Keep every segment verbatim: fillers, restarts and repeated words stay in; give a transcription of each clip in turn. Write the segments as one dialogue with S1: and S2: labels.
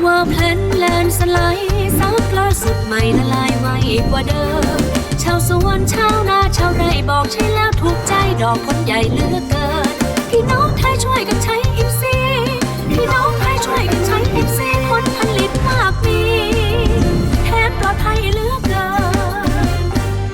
S1: ว่าเพลนแลนสไลด์ซับล่าสุดใหม่ละลายไวกว่าเดิมชาวสวนชาวนาชาวไร่บอกใช่แล้วถูกใจดอกผลใหญ่เหลือเกินพี่น้องไทยช่วยกันใช้อิฟซีพี่น้องไทยช่วยกันใช้อิฟซีผลผลิตมากมีแถมปลอดภัยเหลือเกิน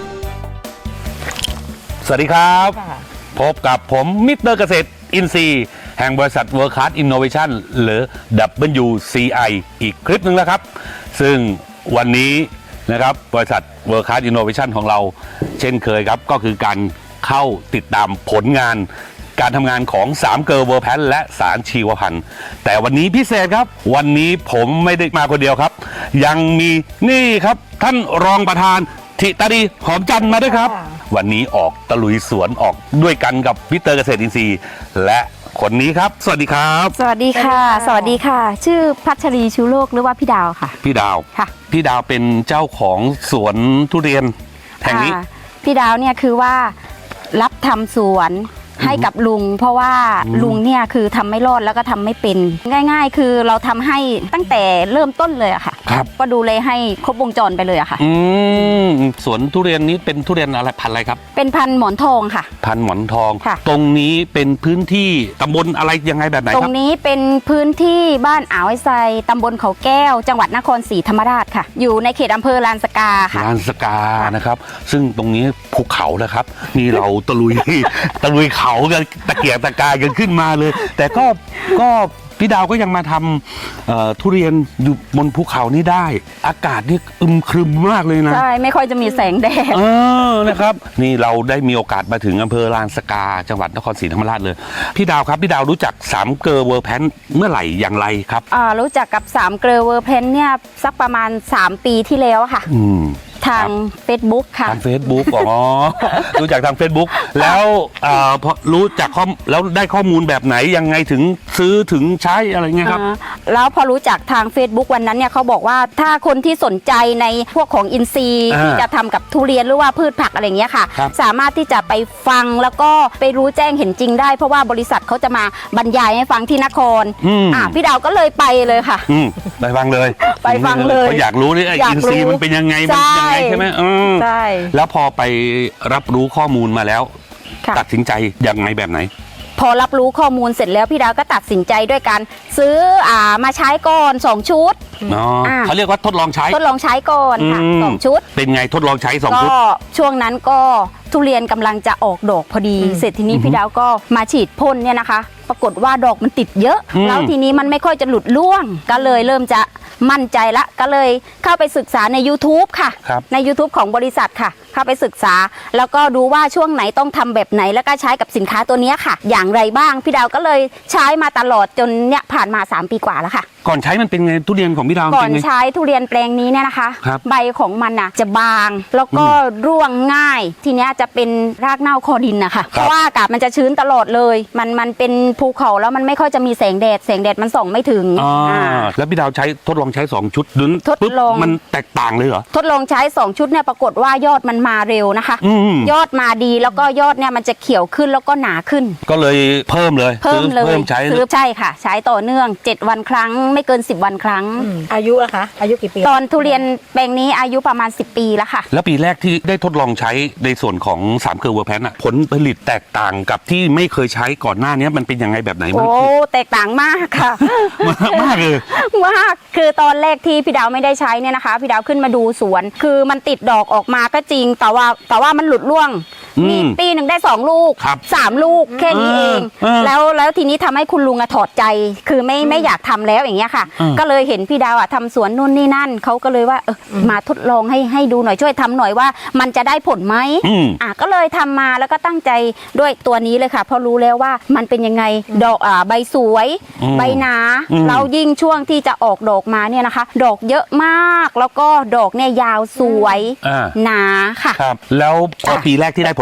S2: สวัสดีครับพบกับผมมิสเตอร์เกษตรอินทรีย์แห่งบริษัท World Class Innovation หรือ ดับเบิลยู ซี ไอ อีกคลิปหนึ่งแล้วครับซึ่งวันนี้นะครับบริษัท World Class Innovation ของเราเช่นเคยครับก็คือการเข้าติดตามผลงานการทำงานของสามเกลอเวอร์แพนและสารชีวพันธุ์แต่วันนี้พิเศษครับวันนี้ผมไม่ได้มาคนเดียวครับยังมีนี่ครับท่านรองประธานธิตาดีหอมจันทร์มาด้วยครับวันนี้ออกตะลุยสวนออกด้วยกันกับมิสเตอร์เกษตรอินทรีย์และคนนี้ครับสวัสดีครับ
S3: สวัสดีค่ะสวัสดีค่ะชื่อพัชรีชูโลกหรือว่าพี่ดาวค่ะ
S2: พี่ดาว
S3: ค่ะ
S2: พี่ดาวเป็นเจ้าของสวนทุเรียนแห่งนี้
S3: พี่ดาวเนี่ยคือว่ารับทำสวนให้กับลุงเพราะว่าลุงเนี่ยคือทำไม่รอดแล้วก็ทำไม่เป็นง่ายๆคือเราทำให้ตั้งแต่เริ่มต้นเลยอะค่ะก็ดูเลยให้ครบวงจรไปเลยอะค่ะ
S2: อืมสวนทุเรียนนี้เป็นทุเรียนอะไรพันธุ์อะไรครับ
S3: เป็นพันธุ์หมอนทองค่ะ
S2: พันธุ์หมอนทองตรงนี้เป็นพื้นที่ตำบลอะไรยังไงแบบไหนครับ
S3: ตรงนี้เป็นพื้นที่บ้านอ่าวไอไซตำบลเขาแก้วจังหวัดนครศรีธรรมราชค่ะอยู่ในเขตอำเภอลานสกาค่ะ
S2: ลานสกานะครับซึ่งตรงนี้ภูเขานะครับนี่เราตะลุย ตะลุยเขากันตะเกียกตะกายกันขึ้นมาเลยแต่ก็ก็พี่ดาวก็ยังมาทำทุเรียนอยู่บนภูเขานี้ได้อากาศนี่อึมครึมมากเลยนะ
S3: ใช่ไม่ค่อยจะมีแสงแดด
S2: เออนะครับนี่เราได้มีโอกาสมาถึงอำเภอลานสกาจังหวัดนครศรีธรรมราชเลยพี่ดาวครับพี่ดาวรู้จักสามเกลอเวอร์แพนเมื่อไหร่อย่างไรครับ
S3: อ่ารู้จักกับสามเกลอเวอร์แพนเนี่ยสักประมาณสามปีที่แล้วค่ะ
S2: อืม
S3: ทาง Facebook ค่ะ
S2: ทาง Facebook อ๋อ รู้จักทาง Facebook แล้วพอรู้จักข้อแล้วได้ข้อมูลแบบไหนยังไงถึงซื้อถึงใช้อะไรเงี้ยครับ
S3: แล้วพอรู้จักทาง Facebook วันนั้นเนี่ยเขาบอกว่าถ้าคนที่สนใจในพวกของอินทรีย์ที่จะทำกับทุเรียนหรือว่าพืชผักอะไรเงี้ยค่ะสามารถที่จะไปฟังแล้วก็ไปรู้แจ้งเห็นจริงได้เพราะว่าบริษัทเขาจะมาบรรยายให้ฟังที่นครอ่าพี่ดาวก็เลยไปเลยค่ะ
S2: ไปฟังเลย
S3: ไปฟังเลย
S2: เขาอยากรู้นี่ไอ้อินทรีย์มันเป็นยังไงมันยังไงใช่ไหม
S3: ใช่
S2: แล้วพอไปรับรู้ข้อมูลมาแล้วตัดสินใจยังไงแบบไหน
S3: พอรับรู้ข้อมูลเสร็จแล้วพี่ดาวก็ตัดสินใจด้วยการซื้ออ่ามาใช้ก่อนสองชุด
S2: เขาเรียกว่าทดลองใช้
S3: ทดลองใช้ก่อนค่ะสองชุด
S2: เป็นไงทดลองใช้สองชุด
S3: ก็ช่วงนั้นก็ทุเรียนกำลังจะออกดอกพอดีเสร็จทีนี้พี่ดาวก็มาฉีดพ่นเนี่ยนะคะปรากฏว่าดอกมันติดเยอะแล้วทีนี้มันไม่ค่อยจะหลุดร่วงก็เลยเริ่มจะมั่นใจละก็เลยเข้าไปศึกษาใน YouTube ค่ะใน YouTube ของบริษัทค่ะเข้าไปศึกษาแล้วก็ดูว่าช่วงไหนต้องทำแบบไหนแล้วก็ใช้กับสินค้าตัวนี้ค่ะอย่างไรบ้างพี่ดาวก็เลยใช้มาตลอดจนเนี่ยผ่านมาสามปีกว่าแล้วค่ะ
S2: ก่อนใช้มันเป็นไงทุเรียนของพี่ดาว
S3: ก่อนใช้ทุเรียนแปลงนี้เนี่ยนะคะใบของมันน่ะจะบางแล้วก็ร่วงง่ายทีนี้จะเป็นรากเน่าคอดินนะคะเพราะว่าอากาศมันจะชื้นตลอดเลยมันมันเป็นภูเขาแล้วมันไม่ค่อยจะมีแสงแดดแสงแดดมันส่องไม่ถึง
S2: แล้วพี่ดาวใช้ทดลองใช้สองชุดดุน
S3: ทดลอง
S2: มันแตกต่างเลยเหรอ
S3: ทดลองใช้สองชุดเนี่ยปรากฏว่ายอดมันมาเร็วนะคะยอดมาดีแล้วก็ยอดเนี่ยมันจะเขียวขึ้นแล้วก็หนาขึ้น
S2: ก็เลยเพิ่มเลย
S3: เพิ่มเลย
S2: เพิ่มใช้
S3: ซื้อใช่ค่ะใช้ต่อเนื่องเจ็ดวันครั้งไม่เกินสิบวันครั้ง
S4: อายุอะคะอายุกี่ปี
S3: ตอนทุเรียนแปลงนี้อายุประมาณสิบปีแล้วค่ะ
S2: แล้วปีแรกที่ได้ทดลองใช้ในส่วนของสามเกลอเวอร์แพนผลผลิตแตกต่างกับที่ไม่เคยใช้ก่อนหน้านี้มันเป็นยังไงแบบไหน
S3: โอ้แตกต่างมากค่ะ
S2: มากเลย
S3: มากคือตอนแรกที่พี่ดาวไม่ได้ใช้เนี่ยนะคะพี่ดาวขึ้นมาดูสวนคือมันติดดอกออกมาก็จริงแต่ว่าแต่ว่ามันหลุดร่วงมีปีหนึ่งได้สองลูกสามลูกแค่นี้เองแล้วแล้วทีนี้ทำให้คุณลุงอะถอดใจคือไม่ไม่อยากทำแล้วอย่างเงี้ยค่ะก็เลยเห็นพี่ดาวอะทำสวนนู่นนี่นั่นเขาก็เลยว่าเออมาทดลองให้ให้ดูหน่อยช่วยทำหน่อยว่ามันจะได้ผลไหมอ่ะก็เลยทำมาแล้วก็ตั้งใจด้วยตัวนี้เลยค่ะเพราะรู้แล้วว่ามันเป็นยังไงดอกอ่าใบสวยใบหนาแล้วยิ่งช่วงที่จะออกดอกมาเนี่ยนะคะดอกเยอะมากแล้วก็ดอกเนี่ยยาวสวยหนาค่ะ
S2: ครับแล้วพอปีแรกที่ได้ผล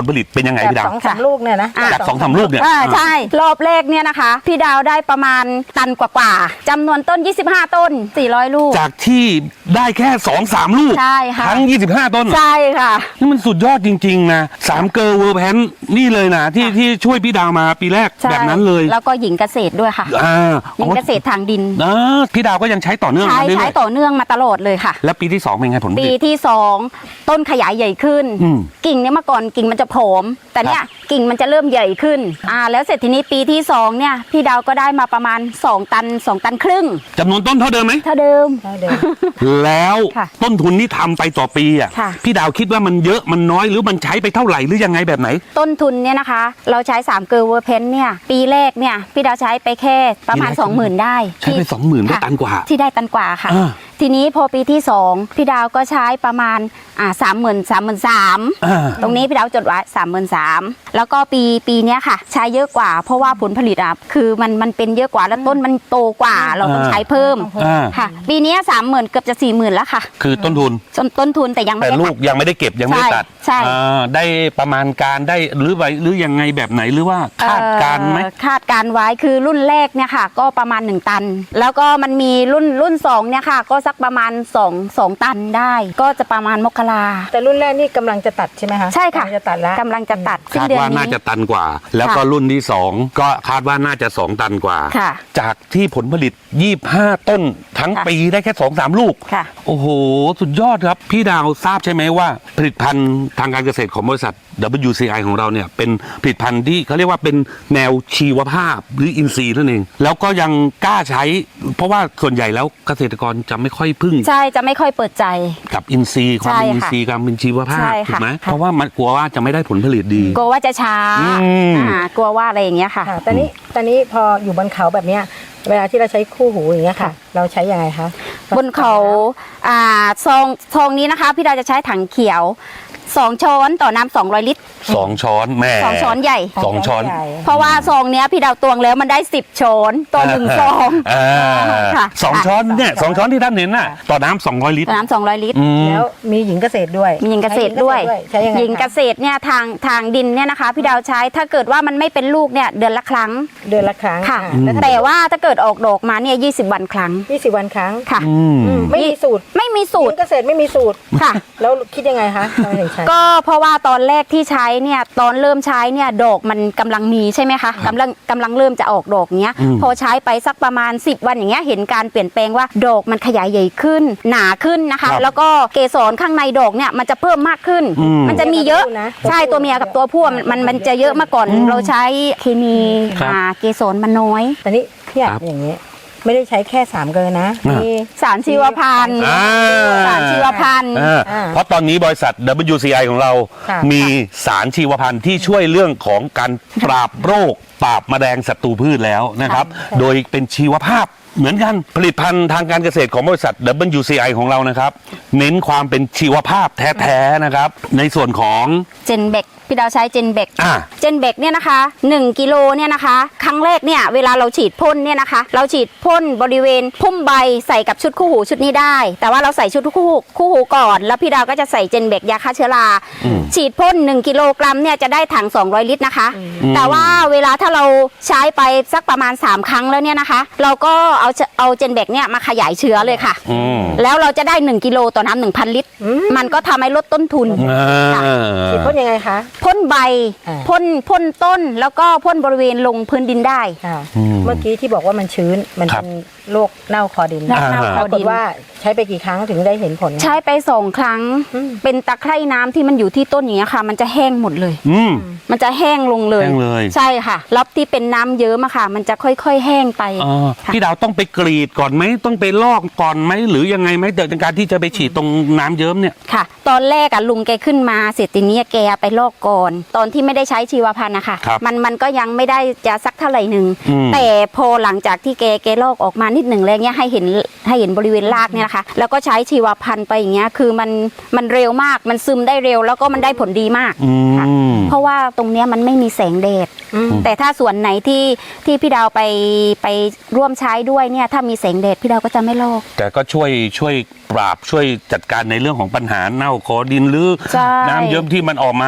S2: ผลิตเป็นยังไง
S4: แบบ
S2: พี่ดาว
S4: สองสามลูกเนี่ยนะ
S3: อ่ะ
S2: จากสองสามลูกเนี่ย
S3: อ่าใช่รอบแรกเนี่ยนะคะ พี่ดาวได้ประมาณตันกว่าๆจำนวนต้น ยี่สิบห้า ต้น สี่ร้อย ลูก
S2: จากที่ได้แค่สองสามลูก
S3: ใช่ค่ะ
S2: ทั้งยี่สิบห้าต้น
S3: ใช่ค่ะ
S2: นี่มันสุดยอดจริง ๆ นะสามเกอร์เวอร์แพนนี่เลยนะที่ที่ช่วยพี่ดาวมาปีแรก
S3: ใช่
S2: แบบนั้นเลย
S3: แล้วก็หญิงเกษตรด้วยค่ะ
S2: อ่า
S3: หญิงเกษตรทางดิน
S2: อ่าพี่ดาวก็ยังใช้ต่อเนื่อง
S3: ใช้
S2: มาเรื่
S3: ใช้
S2: อย
S3: ต่อเนื่องมาตลอดเลยค่ะ
S2: ๆแล้วปีที่สองเป็นไงผลผ
S3: ปี
S2: ลิต
S3: ที่สองต้นขยายใหญ่ขึ้น
S2: อืม
S3: กิ่งเนี่ยเมื่อก่อนกิ่งมันจะผอม แต่เนี่ยกิ่งมันจะเริ่มใหญ่ขึ้นอ่าแล้วเสร็จทีนี้ปีที่สองเนี่ยพี่ดาวก็ได้มาประมาณสองตันสองตันครึ่ง
S2: จำนวนต้นเท่าเดิมไหม
S3: เท่าเดิม
S4: ได้เดิม
S2: แล้ว
S3: ค่ะ
S2: ต้นทุนที่ทำไปต่อปีอ่ะ
S3: ค่ะ
S2: พี่ดาวคิดว่ามันเยอะมันน้อยหรือมันใช้ไปเท่าไหร่หรือยังไงแบบไหน
S3: ต้นทุนเนี่ยนะคะ เราใช้สามเกลือเวอร์เพนเนี่ยปีแรกเนี่ยพี่ดาวใช้ไปแค่ประมาณ
S2: ปีแรก
S3: สองหมื่นได้
S2: ใช้ไป
S3: ที่
S2: สองหมื่นได้
S3: ค่ะ
S2: ตันกว่า
S3: ที่ได้ตันกว่าค่ะ
S2: อ่า
S3: ทีนี้พอปีที่สองพี่ดาวก็ใช้ประมาณอ่าสามหมื่นสามหมื่นสาม
S2: อ่า
S3: ตรงนี้พี่ดาวจดไว้สามหมื่นสามแล้วก็ปีปีเนี้ยค่ะ ใช้เยอะกว่า เพราะว่าผลผลิตอ่ะคือมันมันเป็นเยอะกว่าแล้วต้นมันโตกว่า เราต้องใช้เพิ่ม
S2: อ่า
S3: ค่ะ ปีเนี้สามหมื่นเกือบจะสี่หมื่นแล้วค่ะ
S2: คือต้นทุน
S3: จนต้นทุนแต่ยังไม่
S2: แต่
S3: ได้
S2: ลู
S3: ตั
S2: ก
S3: ด
S2: ยังไม่ได้เก็บยังไม่ได้ตัด
S3: ใช่ใช่
S2: อ่าได้ประมาณการได้หรือไว้หรือยังไงแบบไหนหรือว่าคาดการณ์ไหม
S3: เอ่อคาดการณ์ไว้คือรุ่นแรกเนี่ยค่ะ ก็ประมาณหนึ่งตัน แล้วก็มันมีรุ่นรุ่นสองเนี่ยค่ะ ก็สักประมาณสอง สองตันได้ ก็จะประมาณมกรา
S4: แต่รุ่นแรกนี่กำลังจะตัดใช่ไหมคะ
S3: ใช่ค่ะ
S4: กำลังจะตัดแล้ว
S3: กำลังจะตัดสิ้น
S2: คาด
S3: เดือน
S2: ว่า
S3: นี้
S2: น่าจะตันกว่า แล้วก็
S3: ค่ะ
S2: รุ่นที่สองก็คาดว่าน่าจะสองตันกว่า
S3: ค่ะ
S2: จากที่ผลผลิตยี่สิบห้าต้นทั้ง
S3: ค่ะ
S2: ปีได้แค่สองสามลูก
S3: ค่ะ
S2: โอ้โห สุดยอดครับ พี่ดาวทราบใช่ไหมว่า ผลิตภัณฑ์ทางการเกษตรของบริษัท ดับเบิลยู ซี ไอ ของเราเนี่ยเป็นผลิตภัณฑ์ที่เขาเรียกว่าเป็นแนวชีวภาพหรืออินทรีย์นั่นเอง แล้วก็ยังกล้าใช้ เพราะว่าส่วนใหญ่แล้วเกษตรกรจะไม่ค่อยพึ่ง
S3: ใช่จะไม่ค่อยเปิดใจ
S2: กับอินทรีย์ความเป็น
S3: ใช่ค่ะ
S2: อินทรีย์ความเป็นชีวภาพ
S3: ใช่
S2: ถู
S3: ค่ะ
S2: กไหม
S3: ค่ะ
S2: เพราะว่ามันกลัวว่าจะไม่ได้ผลผลิตดี
S3: กลัวว่าจะช้า
S2: อืม
S3: อ่ากลัวว่าอะไรอย่างเงี้ยค่ะ
S4: ค่ะตอนนี้ตอนนี้พออยู่บนเขาแบบเนี้ยเวลาที่เราใช้คู่หูอย่างเงี้ยค่ะ เราใช้ยังไงคะ
S3: บนเขาอ่าซองซองนี้นะคะ พี่ดาวจะใช้ถังเขียวสองช้อนต่อน้ำสองร้อยลิตร
S2: สองช้อนแม่
S3: สองช้อนใหญ่
S2: สองช้อน
S4: ใหญ่
S3: เพราะว่าซองเนี้ยพี่ดาวตวงแล้วมันได้สิบช้อนต่อหนึ่งซอง
S2: อ่า
S3: ค่ะ
S2: สองช้อนเนี่ยสองช้อนที่ท่านเห็นน่ะต่อน้ำสองร้อยลิตร
S3: ต่อน้ำสองร้อยลิตร
S2: อืม
S4: แล้วมีหญิงเกษตรด้วย
S3: มีหญิงเกษตรด้วย
S4: ใช้ยังไง
S3: หญิงเก
S4: คะ
S3: ษตรเนี่ยทางทางดินเนี่ยนะคะ พี่ดาวใช้ถ้าเกิดว่ามันไม่เป็นลูกเนี่ยเดือนละครั้ง
S4: เดือนละครั้ง
S3: ค่ะ
S4: แล้วถ้า
S3: แต่ว่าถ้าเกิดออกดอกมาเนี่ยยี่สิบวันครั้ง
S4: ยี่สิบวันครั้ง
S3: ค่ะ
S2: อืม
S4: ไม่มีสูตร
S3: ไม่มี
S4: ห
S3: สู
S4: ญิ
S3: ตร
S4: งเกษตรไม่มีสูตร
S3: ค่ะ
S4: แล้วคิดยังไงคะทำไมถึงใช้
S3: ก็เพราะว่าตอนแรกที่ใช้เนี่ยตอนเริ่มใช้เนี่ยดอกมันกำลังมีใช่ไหมคะกำลังกำลังเริ่มจะออกดอกเนี้ย
S2: อืม
S3: พอใช้ไปสักประมาณสิบวันอย่างเงี้ยเห็นการเปลี่ยนแปลงว่าดอกมันขยายใหญ่ขึ้น หนาขึ้นนะคะ แล้วก็เกสรข้างในดอกเนี่ยมันจะเพิ่มมากขึ้น
S2: อืม
S3: มันจะมีเยอะ
S4: นะ
S3: ใช่ตัวเมียกับตัวผู้มันมันมันจะเยอะมาก่อนเราใช้เคมี
S2: ครับ
S3: อ่าเกสรมันน้อย
S4: แต่นี่พี่อยาก
S2: ครับ
S4: อย่างนี้ ไม่ได้ใช้แค่สามเกลอนะ
S2: อ่ามี
S4: มี
S3: สารชีวพันธุ์
S2: อ่า
S3: สารชีวพันธุ์
S2: อ่า
S4: อ่า
S2: เพราะตอนนี้บริษัท ดับเบิลยู ซี ไอ ของเรา
S4: ค่ะ
S2: มีสารชีวพันธุ์ที่ช่วยเรื่องของการปราบโรค ปราบแมลงศัตรูพืชแล้วนะครับ โดยเป็นชีวภาพเหมือนกันผลิตภัณฑ์ทางการเกษตรของบริษัท ดับเบิลยู ซี ไอ ของเรานะครับ เน้นความเป็นชีวภาพแท้ๆนะครับ ในส่วนของ
S3: เจนเบกพี่ดาวใช้เจนเบก
S2: อ่า
S3: เจนเบกเนี่ยนะคะหนึ่งกิโลเนี่ยนะคะครั้งแรกเนี่ยเวลาเราฉีดพ่นเนี่ยนะคะ เราฉีดพ่นบริเวณพุ่มใบใส่กับชุดคู่หูชุดนี้ได้ แต่ว่าเราใส่ชุดคู่หูคู่หูก่อน แล้วพี่ดาวก็จะใส่เจนเบกยาฆ่าเชื้อรา
S2: อืม
S3: ฉีดพ่นหนึ่งกิโลกรัมเนี่ยจะได้ถังสองร้อยลิตรนะคะ แต่ว่าเวลาถ้าเราใช้ไปสักประมาณสามครั้งแล้วเนี่ยนะคะ เราก็เอาเอาเจนเบกเนี่ยมาขยายเชื้อเลยค่ะ
S2: อืม
S3: แล้วเราจะได้หนึ่งกิโลต่อน้ำหนึ่งพันลิตร มันก็ทำให้ลดต้นทุน
S2: อ่า
S4: ฉีดพ่นยังไงคะ
S3: พ่นใบ
S4: อ่า
S3: พ่นพ่นต้นแล้วก็พ่นบริเวณลงพื้นดินได้
S4: ค่ะ
S2: อืม
S4: เมื่อกี้ที่บอกว่ามันชื้น มัน
S2: ครับ
S4: เป็นโรคเน่าคอดิน
S3: เน่า
S2: อ่า
S3: ค
S4: ป
S3: อ
S4: ราก
S3: ดิ
S4: ฏ
S3: น
S4: ว่าใช้ไปกี่ครั้งถึงได้เห็นผล
S3: ใช้ไปสองครั้ง
S4: อืม
S3: เป็นตะไคร่น้ำที่มันอยู่ที่ต้นอย่างเงี้ยค่ะ มันจะแห้งหมดเลย
S2: อืม
S3: มันจะแห้งลงเลย
S2: แห้งเลย
S3: ใช่ค่ะรับที่เป็นน้ำเยิ้มอะค่ะ มันจะค่อยๆแห้งไป
S2: อ๋อ
S3: ค่ะ
S2: พี่ดาวต้องไปกรีดก่อนไหมต้องไปลอกก่อนไหมหรือยังไงไหมเดี๋ยวในการที่จะไปฉีดตรงน้ำเยิ้มเนี่ย
S3: ค่ะ ตอนแรกอะลุงแกขึ้นมาเสร็จทีนี้แกไปลอกก่อน ตอนที่ไม่ได้ใช้ชีวพันธุ์นะคะ
S2: ครับ
S3: มันมันก็ยังไม่ได้จะสักเท่าไหร่หนึ่ง
S2: อืม
S3: แต่พอหลังจากที่แกแกลอกออกมานิดหนึ่งแล้วเนี้ยให้เห็นให้เห็นบริเวณรากเนี่ยนะคะ แล้วก็ใช้ชีวพันธุ์ไปอย่างเงี้ยคือมันมันเร็วมากมันซึมได้เร็วแล้วก็มันได้ผลดีมาก
S2: อื
S3: ค่ะ
S2: ม
S3: เพราะว่าตรงเนี้ยมันไม่มีแสงแดด
S4: อืม
S3: แต่ถ้าส่วนไหนที่ที่พี่ดาวไปไปร่วมใช้ด้วยเนี่ยถ้ามีแสงแดดพี่ดาวก็จะไม่ลอก
S2: แต่ก็ช่วยช่วยปราบช่วยจัดการในเรื่องของปัญหาเน่าคอดินหรือ
S3: ใช่
S2: น้ำเยิ้มที่มันออกมา
S3: ใช่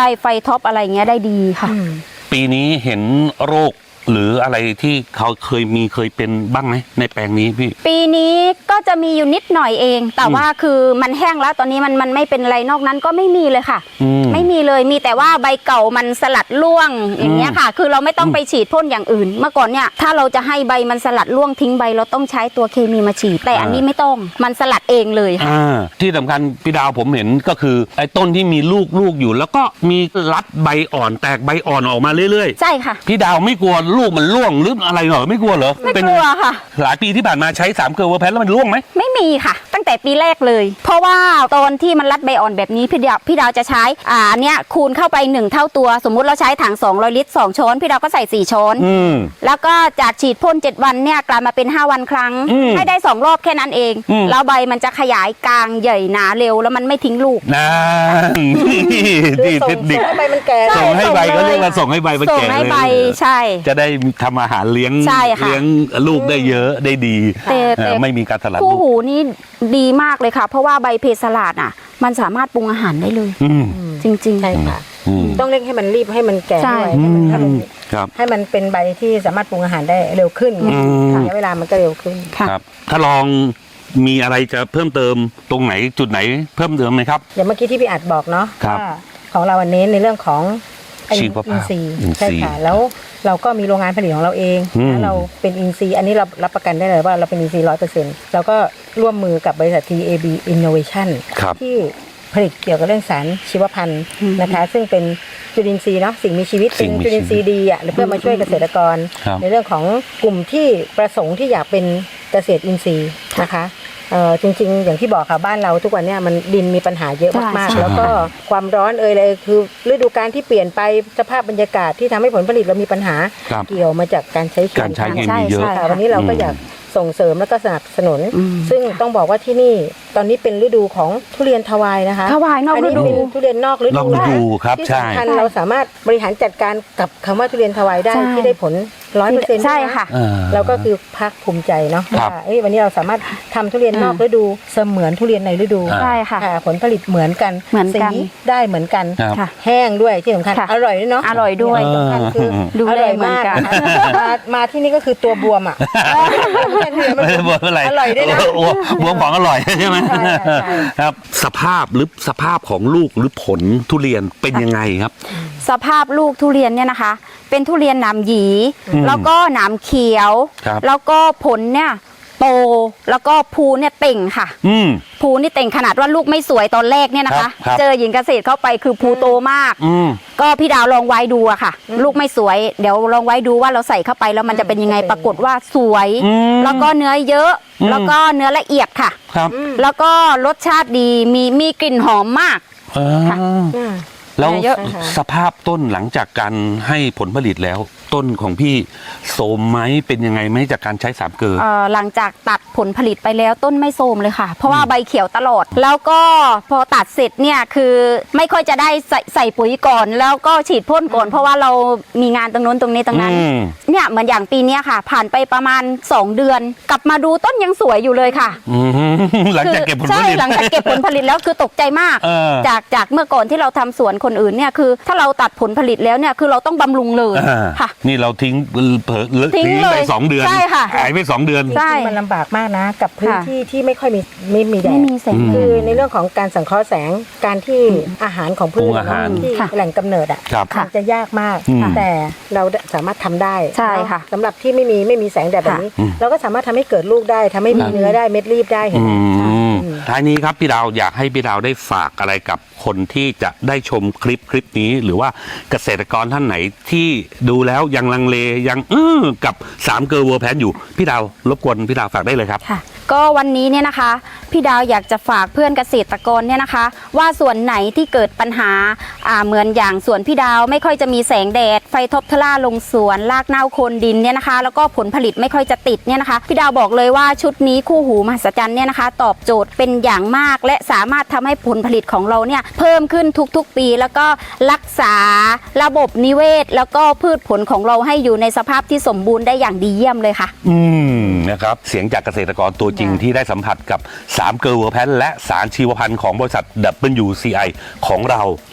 S3: ไฟท็อปอะไรเงี้ยได้ดีค่ะ
S2: ปีนี้เห็นโรคหรืออะไรที่เขาเคยมีเคยเป็นบ้างไหมในแปลงนี้พี่
S3: ปีนี้ก็จะมีอยู่นิดหน่อยเอง แต่ว่าคือมันแห้งแล้วตอนนี้มันมันไม่เป็นไรนอกนั้นก็ไม่มีเลยค่ะ
S2: อืม
S3: ไม่มีเลยมีแต่ว่าใบเก่ามันสลัดร่วงอย่างเงี้ยค่ะ คือเราไม่ต้องไปฉีดพ่นอย่างอื่น เมื่อก่อนเนี่ยถ้าเราจะให้ใบมันสลัดร่วงทิ้งใบเราต้องใช้ตัวเคมีมาฉีดแต่อันนี้ไม่ต้องมันสลัดเองเลยค่ะ
S2: อ่าที่สำคัญพี่ดาวผมเห็นก็คือไอ้ต้นที่มีลูกลูกอยู่ แล้วก็มีรัดใบอ่อนแตกใบอ่อนออกมาเรื่อย
S3: ใช่ค่ะ
S2: ๆพี่ดาวไม่กลัวลูกมันร่วงหรืออะไรเหรอไม่กลัวเหรอ
S3: ไม่
S2: เป็น
S3: กลัวค่ะ
S2: หลายปีที่ผ่านมาใช้สามเกลือเวอร์แพนแล้วมันร่วงไหม
S3: ไม่มีค่ะ ตั้งแต่ปีแรกเลย เพราะว่าตอนที่มันรัดใบอ่อนแบบนี้พี่ดาวพี่ดาวจะใช้อ่าอันเนี้ยคูณเข้าไปหนึ่งเท่าตัว สมมุติเราใช้ถังสองร้อยลิตรสองช้อนพี่ดาวก็ใส่สี่ช้อน
S2: อืม
S3: แล้วก็จากฉีดพ่นเจ็ดวันเนี่ยกลายมาเป็นห้าวันครั้ง
S2: อืม
S3: ให้ได้สองรอบแค่นั้นเอง
S2: อืม
S3: แล้วใบมันจะขยายกลางใหญ่หนาเร็วแล้วมันไม่ทิ้งลูก
S2: นั่นนี่
S4: คือส่
S2: เท
S4: ง
S2: คนิค
S4: ส่งให้ใบมันแก่
S3: ใช่
S2: ส่งให้ใบ
S3: ส่งเลย
S2: ก็เรียกว่าส่งให้ใบมัน
S3: ส่ง
S2: แก่
S3: ให้
S2: เลย
S3: ใบใช่
S2: จะได้ทำอาหารเลี้ยง
S3: ใช่ค่ะ
S2: เลี้ยงลูกได้เยอะได้ดี
S3: แต่
S2: เอ
S3: แต่
S2: อไม่มีการสลัด
S3: คู่
S2: ลูก
S3: หูนี่ดีมากเลยค่ะ เพราะว่าใบเพสลาดอ่ะ มันสามารถปรุงอาหารได้เลย
S2: อืม
S3: จริง
S4: ใช่ค่ะ
S2: อืม
S4: ต้องเร่งให้มันรีบให้มันแก่
S3: ใช่
S4: ด้วยให้มันให้มัน
S2: ครับ
S4: ให้มันเป็นใบที่สามารถปรุงอาหารได้เร็วขึ้น
S2: อืม
S4: ระยะเวลามันก็เร็วขึ้น
S3: ๆ ค่ะ
S2: ครับ ถ้าลองมีอะไรจะเพิ่มเติมตรงไหนจุดไหนเพิ่มเติมไหมครับ
S4: อย่างเมื่อกี้ที่พี่อัดบอกเนาะ
S2: ครับ
S4: ว่าของเราอันนี้ในเรื่องของ
S2: ชีวภาพ
S4: อินทรีย์
S2: อินทรีย์
S4: ใช่ค่ะแล้วเราก็มีโรงงานผลิตของเราเอง
S2: อืม
S4: แล้วเราเป็นอินทรีย์อันนี้เรารับประกันได้เลยว่าเราเป็นอินทรีย์ร้อยเปอร์เซ็นต์เราก็ร่วมมือกับบริษัท ที เอ บี Innovation
S2: ครับ
S4: ที่ผลิตเกี่ยวกับเรื่องสารชีวพันธุ์นะคะ ซึ่งเป็นจุลินทรีย์เนาะสิ่งมีชีวิต
S2: สิ่
S4: เป็น
S2: งมี
S4: จุลินทรีย์ดีอ่ะเพื่อมาช่วยเกษตรกร
S2: ครับ
S4: ในเรื่องของกลุ่มที่ประสงค์ที่อยากเป็นเกษตรอินทรีย์นะคะเอ่อจริงๆ อย่างที่บอกค่ะบ้านเราทุกวันเนี้ยมันดินมีปัญหาเยอะมาก
S3: ใช่
S4: ๆ แล้วก็ความร้อนเอ่ยเลยคือฤดูกาลที่เปลี่ยนไปสภาพบรรยากาศที่ทำให้ผลผลิตเรามีปัญหา
S2: ครับ
S4: เกี่ยวมาจากการใช้เคมี
S2: การใช้เค
S3: ใช่
S2: มีเยอะ
S3: ใช่
S4: ค่ะวันนี้เราก็อยากส่งเสริมและก็สนับสนุน
S3: อืม
S4: ซึ่งต้องบอกว่าที่นี่ตอนนี้เป็นฤดูของทุเรียนทวายนะคะ
S3: ถวายนอกฤดู
S4: อันนี้เป็นทุเรียนนอกฤ
S2: น
S4: ดู
S2: อกฤดูครับ
S4: ที่
S2: ใช่
S4: สำคัญเราสามารถบริหารจัดการกับคำว่าทุเรียนทวายได้
S3: ใช่
S4: ที่ได้ผลร้อยเปอร์เซ็นต์
S3: ใช่ค่ะ
S2: อ่า
S4: เราก็คือภาคภูมิใจเนาะ
S2: ครับ
S4: ว่าเอ้ยวันนี้เราสามารถทำทุเรียนนอกฤดูเสมือนทุเรียนในฤดู
S2: อ่า
S3: ใช่ค่ะ
S4: ค่ะผลผลิตเหมือนกัน
S3: เหมือนกัน
S4: สีได้เหมือนกัน
S2: ครับ
S3: ค่ะ
S4: แห้งด้วยที่สำคัญ
S3: ค่ะ
S4: อร่อยด้วยเนาะ
S3: อร่อยด้วย
S4: ที่สำคัญคือ
S3: ดู
S4: อ
S3: แล
S4: ร่อย
S3: เหมือน
S4: มาก
S3: กัน
S4: มามาที่นี่ก็คือตัวบวมอ่ะ
S2: ไม่ได้บวมอะไร
S4: อร่อยด้วยนะ
S2: โอ้โหบวมของอร่อยใช่ไหม
S4: ใช่ใช่
S2: ครับ สภาพหรือสภาพของลูกหรือผลทุเรียนเป็นยังไงครับ
S3: สภาพลูกทุเรียนเนี่ยนะคะ เป็นทุเรียนหนามหยี
S2: อืม
S3: แล้วก็หนามเขียว
S2: ครับ
S3: แล้วก็ผลเนี่ยโตแล้วก็ภูเนี่ยเต่งค่ะ
S2: อืม
S3: ภูนี่เต่งขนาดว่าลูกไม่สวยตอนแรกเนี่ยนะ
S2: ครั
S3: คะ
S2: บครับ
S3: เจอหญิงเกษตรเข้าไปคือภูโตมาก
S2: อืม
S3: ก็พี่ดาวลองไว้ดูอะค่ะ ลูกไม่สวย เดี๋ยวลองไว้ดูว่าเราใส่เข้าไปแล้วมันจะเป็นยังไงปรากฏว่าสวย
S2: อืม
S3: แล้วก็เนื้อเยอะ
S2: อืม
S3: แล้วก็เนื้อละเอียดค่ะ
S2: ครับ
S3: แล้วก็รสชาติดีมีมีกลิ่นหอมมาก
S2: อ่า
S3: ค่ะ
S4: อืม
S2: แล้ว
S3: เยอะ
S2: สภาพต้นหลังจากการให้ผลผลิตแล้ว ต้นของพี่โสมไหมเป็นยังไงไหมจากการใช้สามเกลือ
S3: เอ่อหลังจากตัดผลผลิตไปแล้วต้นไม่โทรมเลยค่ะ เพราะว่าใบเขียวตลอด แล้วก็พอตัดเสร็จเนี่ยคือไม่ค่อยจะได้ใส่ใส่ปุ๋ยก่อน แล้วก็ฉีดพ่นก่อน เพราะว่าเรามีงานตรงนู้นตรงนี้ตรงนั้น
S2: อืม
S3: เนี่ยเหมือนอย่างปีเนี้ยค่ะ ผ่านไปประมาณสองเดือน กลับมาดูต้นยังสวยอยู่เลยค่ะ
S2: อืมหลังจากเก็บผลผ
S3: ใช่
S2: ลิต
S3: หลังจากเก็บผลผลิตแล้วคือตกใจมาก
S2: เออ
S3: จากจากเมื่อก่อนที่เราทำสวนคนอื่นเนี่ยคือ ถ้าเราตัดผลผลิตแล้วเนี่ยคือเราต้องบำรุงเลย
S2: อ่า
S3: ค่ะ
S2: นี่เราทิ้งเผลอ
S3: ทิ้
S2: ทิ้
S3: ง
S2: ง
S3: เลย
S2: ไปสองเดือน
S3: ใช่ค่ะ
S2: หายไปสองเดือน
S3: ใช่
S4: จริงๆมันลำบากมากนะ กับพื้น
S3: ค่ะ
S4: ที่ที่ไม่ค่อยมีไม่มีแด
S3: ไม่
S4: ด
S3: มีแสง
S2: อืม
S3: แด
S4: คือ
S3: ด
S4: ในเรื่องของการสังเคราะห์แสงการที่อาหารของพืช
S2: ปรุงอาหาร
S4: ที่
S3: ค่ะ
S4: แหล่งกำเนิดอ่ะ
S2: ครับ
S4: มันจะยากมาก
S2: อืม
S4: แต่เราสามารถทำได้
S3: ใช่ค่ะ
S4: สำหรับที่ไม่มีไม่มีแสงแดดแบบนี้
S2: อืม
S4: เราก็สามารถทำให้เกิดลูกได้ทำให้มีเนื้อได้เม็ดรีบได้เห็น
S2: อื
S4: ไหม
S2: มท้ายนี้ครับพี่ดาวอยากให้พี่ดาวได้ฝากอะไรกับคนที่จะได้ชมคลิปคลิปนี้ หรือว่าเกษตรกรท่านไหนที่ดูแล้วยังลังเลยังอื้อกับสามเกลือเวอร์แพนอยู่พี่ดาวรบกวนพี่ดาวฝากได้เลยครับ
S3: ค่ะก็วันนี้เนี่ยนะคะพี่ดาวอยากจะฝากเพื่อนเกษตรกรเนี่ยนะคะ ว่าส่วนไหนที่เกิดปัญหาอ่าเหมือนอย่างสวนพี่ดาวไม่ค่อยจะมีแสงแดดไฟทบทล่าลงสวนรากเน่าโคนดินเนี่ยนะคะ แล้วก็ผลผลิตไม่ค่อยจะติดเนี่ยนะคะพี่ดาวบอกเลยว่าชุดนี้คู่หูมหัศจรรย์เนี่ยนะคะ ตอบโจทย์เป็นอย่างมาก และสามารถทำให้ผลผลิตของเราเนี่ยเพิ่มขึ้นทุกๆปี แล้วก็รักษาระบบนิเวศ แล้วก็พืชผลของเราให้อยู่ในสภาพที่สมบูรณ์ได้อย่างดีเยี่ยมเลยค่ะ
S2: อืมนะครับเสียงจากเกษตรกรตัวจริงที่ได้สัมผัสกับสามเกลือเวอร์แพนและสารชีวพันธุ์ของบริษัท ดับเบิลยู ซี ไอ ของเรานะครับ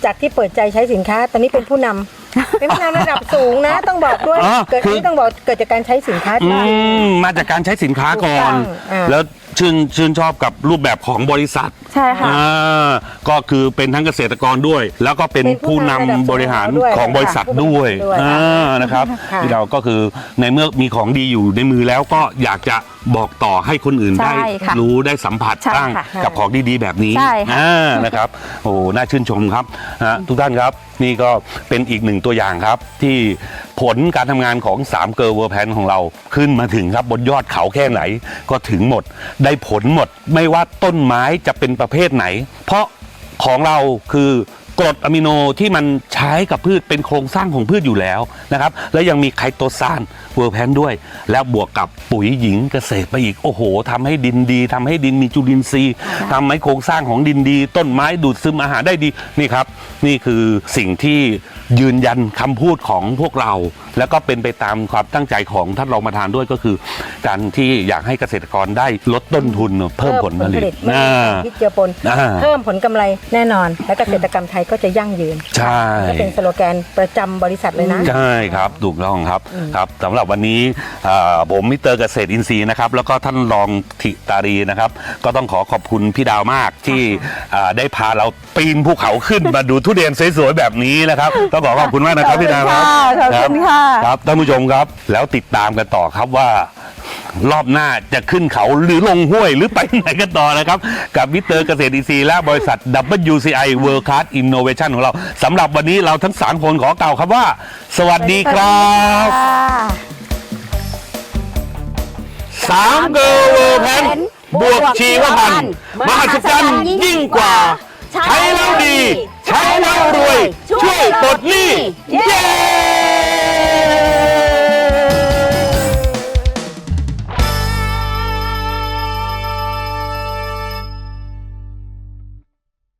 S4: จากที่เปิดใจใช้สินค้าตอนนี้เป็นผู้นำ เป็นผู้นำระดับสูงนะ ต้องบอกด้วย
S2: อ๋อ
S4: เกิด
S2: คือ
S4: นี่ต้องบอกเกิดจากการใช้สินค้า
S2: อื
S4: ที่ดี
S2: มมาจากการใช้สินค้าก่อน
S4: ถูกต้องอ่า
S2: แล้วชื่นชื่นชอบกับรูปแบบของบริษัท
S3: ใช่ค่ะ
S2: อ่าก็คือเป็นทั้งเกษตรกรด้วย แล้วก็เป็น
S4: เป็นผู้
S2: ผู้นำ
S4: นำระดับบ
S2: ริหาร
S4: ด้วย
S2: ของบริษัทด้วย
S4: ด้วย
S2: อ่านะครับ
S4: ค่ะ
S2: ที่เราก็คือในเมื่อมีของดีอยู่ในมือแล้วก็อยากจะบอกต่อให้คนอื่น
S3: ใช่
S2: ได้
S3: ค่ะ
S2: รู้ได้สัมผัส
S3: ใช่
S2: บ้าง
S3: ค่ะ
S2: กับของดีๆแบบนี้
S3: ใช่ค่ะ
S2: อ่านะครับโอ้น่าชื่นชมครับนะทุกท่านครับนี่ก็เป็นอีกหนึ่งตัวอย่างครับที่ผลการทำงานของสามเกอร์เวอร์แพนของเราขึ้นมาถึงครับบนยอดเขาแค่ไหนก็ถึงหมดได้ผลหมดไม่ว่าต้นไม้จะเป็นประเภทไหน เพราะของเราคือกรดอะมิโนที่มันใช้กับพืชเป็นโครงสร้างของพืชอยู่แล้วนะครับแล้วยังมีไคโตซานเวอร์แพนด้วย แล้วบวกกับปุ๋ยหญิงเกษตรไปอีกโอ้โหทำให้ดินดีทำให้ดินมีจุลินทรีย์ทำให้โครงสร้างของดินดี ต้นไม้ดูดซึมอาหารได้ดีนี่ครับนี่คือสิ่งที่ยืนยันคำพูดของพวกเรา แล้วก็เป็นไปตามความตั้งใจของท่านรองประธานด้วยก็คือ การที่อยากให้เกษตรกรได้ลดต้นทุนเพิ่มผลผลิต
S4: ไม่
S2: อ่า
S4: พิษเจือปน
S2: อ่า
S4: เพิ่มผลกำไรแน่นอน และเกษตรกรรมไทยก็จะยั่งยืน
S2: ใช่
S4: ก็เป็นสโลแกนประจำบริษัทเลยนะ
S2: ใช่ครับถูกต้องครับครับสำหรับวันนี้เอ่อผมมิสเตอร์เกษตรอินทรีย์นะครับแล้วก็ท่านรองธิตารีนะครับก็ต้องขอขอบคุณพี่ดาวมากที่เอ่อได้พาเราปีนภูเขาขึ้น มาดูทุเรียนสวยๆแบบนี้นะครับต้องขอขอบคุณมากนะครับพี่ดาวครับ
S3: ขอบคุณค่ะ
S2: ครับท่านผู้ชมครับแล้วติดตามกันต่อครับว่ารอบหน้าจะขึ้นเขาหรือลงห้วยหรือไปไหนกันต่อนะครับกับมิสเตอร์เกษตรอินทรีย์และบริษัท ดับเบิลยู ซี ไอ World Class Innovation ของเราสำหรับวันนี้เราทั้งสามคนขอกล่าวครับว่า สวัสดีครับ สามเกอร์เวอร์แพนบวกชีวพันธุ์มหัศจรรย์ยิ่งกว่า ใช้แล้วดี ใช้แล้วรวย